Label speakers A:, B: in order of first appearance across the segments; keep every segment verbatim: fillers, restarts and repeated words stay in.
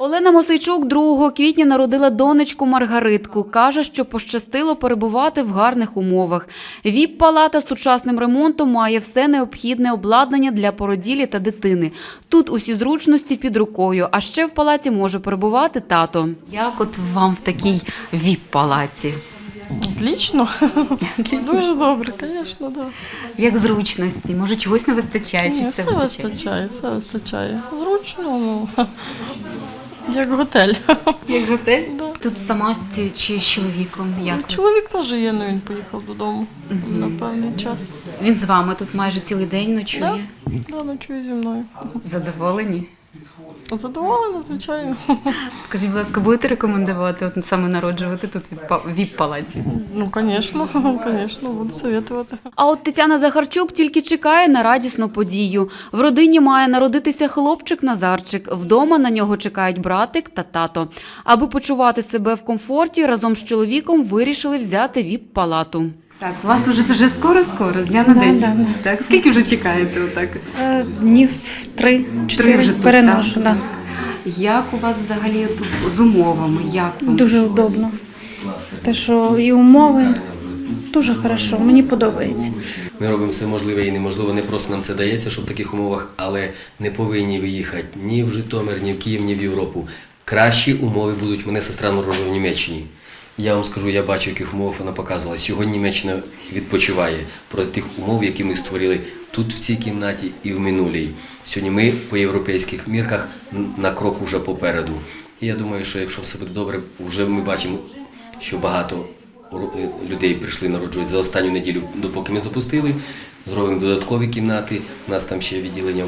A: Олена Мосейчук другого квітня народила донечку Маргаритку. Каже, що пощастило перебувати в гарних умовах. ВІП-палата з сучасним ремонтом має все необхідне обладнання для породілі та дитини. Тут усі зручності під рукою, а ще в палаці може перебувати тато. Як от вам в такій ВІП-палаці?
B: Отлично. Дуже добре, звісно, да.
A: Як зручності? Може, чогось не вистачає?
B: Ні,
A: Чи
B: все
A: все
B: вистачає, все вистачає. Зручно, ну, як готель.
A: Як готель?
B: Да.
A: Тут сама чи з чоловіком? Як?
B: Чоловік теж є, але він поїхав додому на певний час.
A: Він з вами тут майже цілий день ночує?
B: Да, да, ночує зі мною.
A: Задоволені?
B: Задоволена, звичайно.
A: Скажіть, будь ласка, будете рекомендувати от саме народжувати тут в ВІП-палаці?
B: Ну, звісно, звісно, буду советувати.
A: А от Тетяна Захарчук тільки чекає на радісну подію. В родині має народитися хлопчик Назарчик. Вдома на нього чекають братик та тато. Аби почувати себе в комфорті, разом з чоловіком вирішили взяти ВІП-палату. Так, у вас вже дуже скоро-скоро, з дня на
C: Да,
A: день.
C: да, да.
A: Так, скільки вже чекаєте отак?
C: Е, Днів три-чотири
A: вже тут,
C: переношу.
A: так?
C: Да.
A: Як у вас взагалі тут з умовами? Як вам?
C: Дуже удобно. Те, що і умови дуже хорошо, мені подобається.
D: Ми робимо все можливе і неможливе, не просто нам це дається, щоб в таких умовах, але не повинні виїхати ні в Житомир, ні в Київ, ні в Європу. Кращі умови будуть. Мене сестра народила в Німеччині. Я вам скажу, я бачу, в яких умовах вона показувала. Сьогодні Німеччина відпочиває проти тих умов, які ми створили тут, в цій кімнаті і в минулій. Сьогодні ми по європейських мірках на крок уже попереду. І я думаю, що якщо все буде добре, вже ми бачимо, що багато людей прийшли народжувати за останню неділю, допоки ми запустили. Зробимо додаткові кімнати, у нас там ще відділення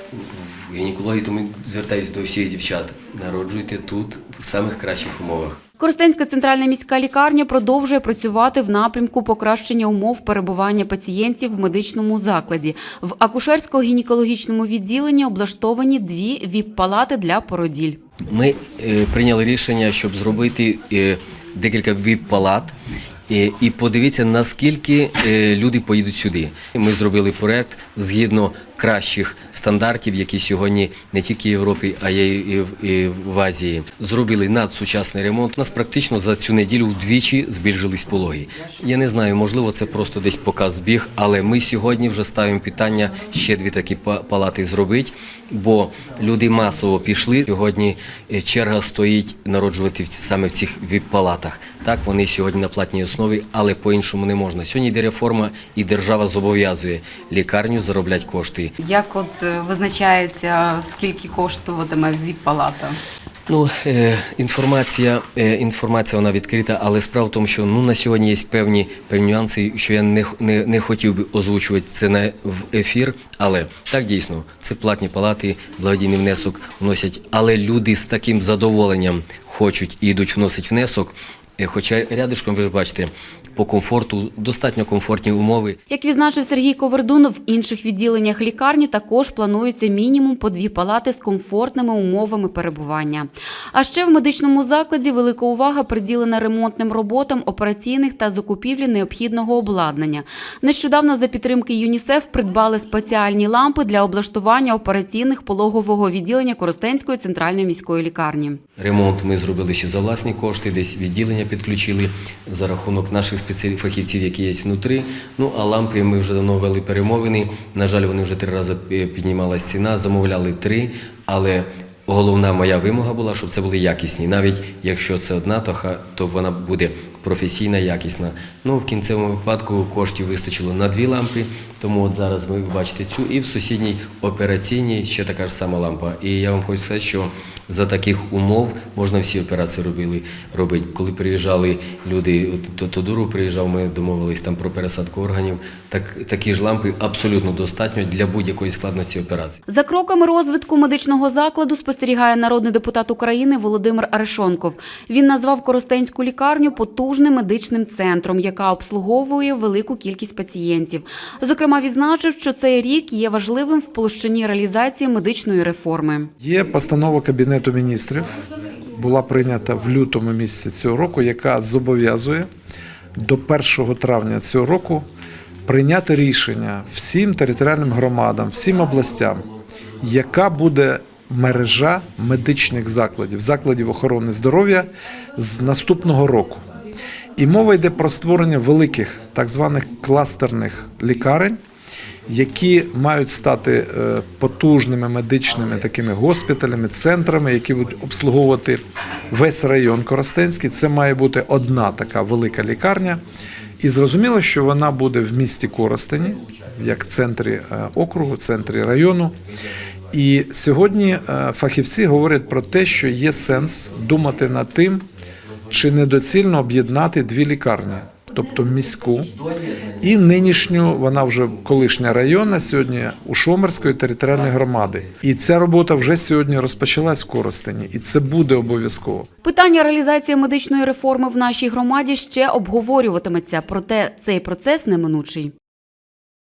D: в гінекології, тому звертаюся до всіх дівчат. Народжуйте тут, в самих кращих умовах.
A: Коростенська центральна міська лікарня продовжує працювати в напрямку покращення умов перебування пацієнтів в медичному закладі. В акушерсько-гінекологічному відділенні облаштовані дві ВІП-палати для породіль.
D: Ми е, прийняли рішення, щоб зробити е, декілька ВІП-палат е, і подивитися, наскільки е, люди поїдуть сюди. Ми зробили проєкт згідно кращих стандартів, які сьогодні не тільки в Європі, а й і в, і в Азії. Зробили надсучасний ремонт. У нас практично за цю неділю вдвічі збільшились пологи. Я не знаю, можливо, це просто десь показ збіг, але ми сьогодні вже ставимо питання ще дві такі палати зробити, бо люди масово пішли. Сьогодні черга стоїть народжувати саме в цих ВІП-палатах. Так, вони сьогодні на платній основі, але по-іншому не можна. Сьогодні йде реформа і держава зобов'язує лікарню заробляти кошти.
A: Як от визначається, скільки коштуватиме ВІП-палата?
D: Ну, е, інформація, е, інформація вона відкрита, але справа в тому, що ну, на сьогодні є певні, певні нюанси, що я не, не, не хотів би озвучувати це на, в ефір, але так дійсно, це платні палати, благодійний внесок вносять, але люди з таким задоволенням хочуть і йдуть вносити внесок. Хоча рядишком, ви ж бачите, по комфорту, достатньо комфортні умови.
A: Як відзначив Сергій Ковердун, в інших відділеннях лікарні також планується мінімум по дві палати з комфортними умовами перебування. А ще в медичному закладі велика увага приділена ремонтним роботам операційних та закупівлі необхідного обладнання. Нещодавно за підтримки ЮНІСЕФ придбали спеціальні лампи для облаштування операційних пологового відділення Коростенської центральної міської лікарні.
D: Ремонт ми зробили ще за власні кошти, десь відділення підключили за рахунок наших фахівців, які є внутрі. Ну, а лампи ми вже давно вели перемовини. На жаль, вони вже три рази піднімалась ціна, замовляли три, але головна моя вимога була, щоб це були якісні. Навіть якщо це одна, то, то вона буде професійна, якісна. Ну, в кінцевому випадку коштів вистачило на дві лампи, тому от зараз ви бачите цю. І в сусідній операційній ще така ж сама лампа. І я вам хочу сказати, що за таких умов можна всі операції робили, робити. Коли приїжджали люди, до Тодуру приїжджав, ми домовились там про пересадку органів, так, такі ж лампи абсолютно достатньо для будь-якої складності операції.
A: За кроками розвитку медичного закладу спостерігає народний депутат України Володимир Арешонков. Він назвав Коростенську лікарню потужним медичним центром, яка обслуговує велику кількість пацієнтів. Зокрема, відзначив, що цей рік є важливим в площині реалізації медичної реформи.
E: Є постанова Кабінету міністрів, була прийнята в лютому місяці цього року, яка зобов'язує до першого травня цього року прийняти рішення всім територіальним громадам, всім областям, яка буде мережа медичних закладів, закладів охорони здоров'я з наступного року. І мова йде про створення великих так званих кластерних лікарень, які мають стати е, потужними медичними такими госпіталями, центрами, які будуть обслуговувати весь район Коростенський. Це має бути одна така велика лікарня. І зрозуміло, що вона буде в місті Коростені, як центрі е, округу, центрі району. І сьогодні е, фахівці говорять про те, що є сенс думати над тим, чи недоцільно об'єднати дві лікарні, тобто міську і нинішню, вона вже колишня районна, сьогодні Ушомерської територіальної громади. І ця робота вже сьогодні розпочалась в Коростені, і це буде обов'язково.
A: Питання реалізації медичної реформи в нашій громаді ще обговорюватиметься, проте цей процес неминучий.